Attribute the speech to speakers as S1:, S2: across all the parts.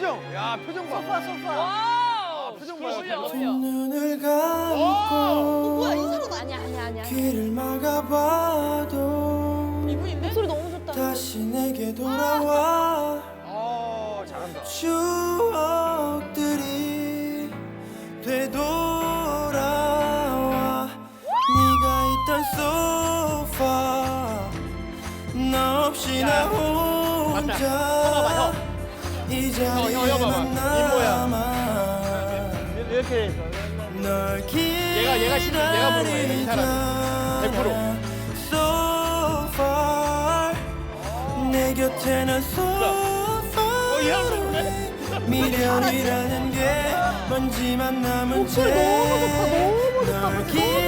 S1: 표정. 야, 표정 봐.
S2: 소파.
S1: 아, 표정 봐.
S3: 눈을 감고
S2: 뭐야 이 사람 아니야.
S3: 길을 막아봐도
S2: 이분인데? 목소리 너무 좋다.
S3: 다시 내게 돌아와
S1: 잘한다.
S3: 추억들이 되돌아와 네가 있던 소파 너 없이 나 혼자 이 자리에만 남아
S1: 이렇게
S3: 널
S1: 얘가 부른 거야, 이 사람이. 100%.
S3: So far 내 곁에 난 so
S1: 이 사람 부르네?
S3: far 미련이라는 게 먼지만 남은 채 널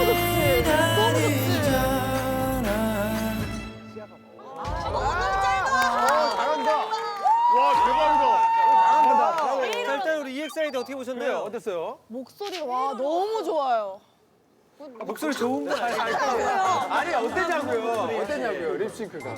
S3: 기다리잖아
S1: 잘한다. 와, 대박이다. 잘한다.
S4: 자, 일단 우리 EXID 어떻게 보셨나요?
S1: 어땠어요?
S2: 목소리가 와 너무 좋아요.
S4: 목소리 좋은 거 아니에요?
S1: 아니, 어땠냐고요, 립싱크가.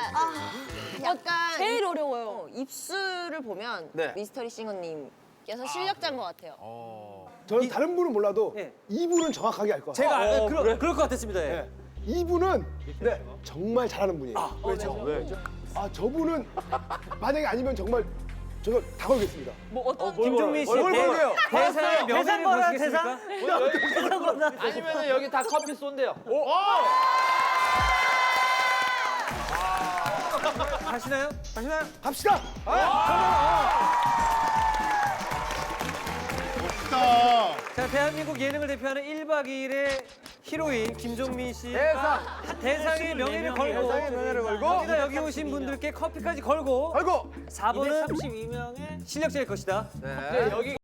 S5: 약간
S2: 제일 어려워요.
S5: 입술을 보면
S1: 네.
S5: 미스터리 싱어님께서 실력자인 것 같아요.
S6: 저는 다른 분은 몰라도
S4: 예.
S6: 이분은 정확하게 알 것 같아요.
S4: 제가 그럴 것 같았습니다. 예.
S6: 이분은 정말 잘하는 분이에요.
S1: 왜죠? 왜?
S6: 저분은 만약에 아니면 정말 저거 다 걸겠습니다.
S4: 김종민 씨
S1: 뭘 걸게요?
S4: 대상의 명예를 보시겠습니까?
S1: 아니면은 여기 다 커피 쏜대요.
S4: 하시나요?
S6: 갑시다.
S4: 자, 대한민국 예능을 대표하는 1박 2일의 히로인 김종민 씨 대상의 명예를 걸고
S1: 대상의 명예를 걸고
S4: 여기다 여기 오신 분들께 커피까지 걸고
S1: 아이고.
S4: 4번은 32명의 실력자일 것이다.
S1: 네, 여기